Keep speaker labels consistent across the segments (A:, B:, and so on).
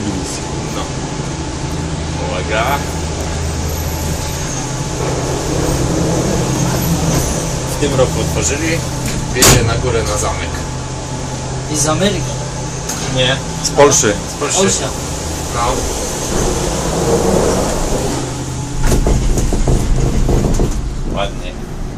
A: dywizji.
B: No. Uwaga. W tym roku otworzyli. Wjedzie na górę na zamek.
C: I z Ameryki.
B: Nie.
A: Z Polszy.
B: Z Polski.
C: Polska.
B: No. Ładnie.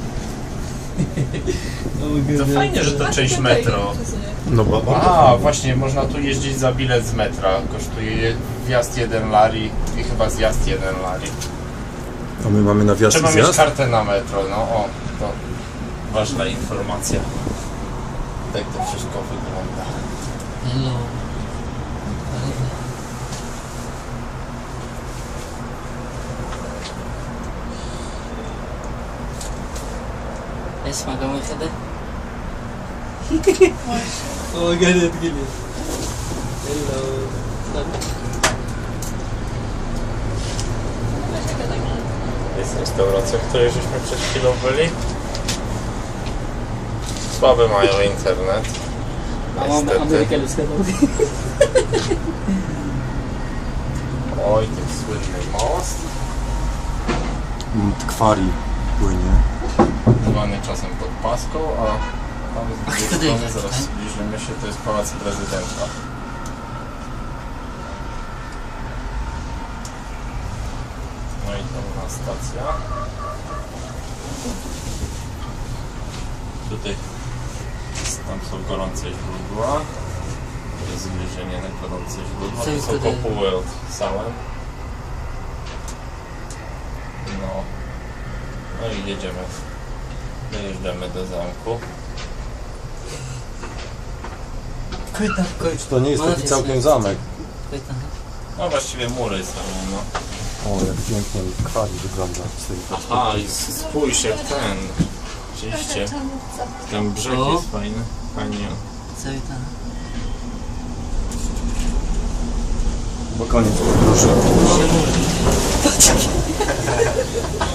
B: To fajnie, że to część metro.
A: No bo...
B: A, właśnie, można tu jeździć za bilet z metra. Kosztuje wjazd 1 lari i chyba zjazd 1 lari.
A: A my mamy na wjazd i
B: Trzeba mieć
A: zjazd?
B: kartę na metro, no o, to ważna informacja. Tak to wszystko wygląda.
C: Hello. اسمع كمان كده هو قاعد يتقلب
B: Jest restauracja, w której żeśmy przed chwilą byli. Słaby mają internet. Niestety. Oj, ten słynny most.
A: Tkwari płynie.
B: Zwany czasem pod paską, a tam z drugiej strony, zaraz zbliżymy się, to jest Pałac Prezydenta. No i tam stacja. Tutaj tam są gorące źródła. To jest zbliżenie na gorące źródła. Tu są kopuły od sałem. No. No i jedziemy. Dojeżdżamy do zamku.
A: To nie jest taki całkiem zamek.
B: No właściwie mury są, no.
A: O, jak pięknie tkwari wygląda z tej
B: Aha, i spójrz jak ten. Oczywiście. Ten brzeg jest fajny. Fajnie.
A: Bo koniec podróży.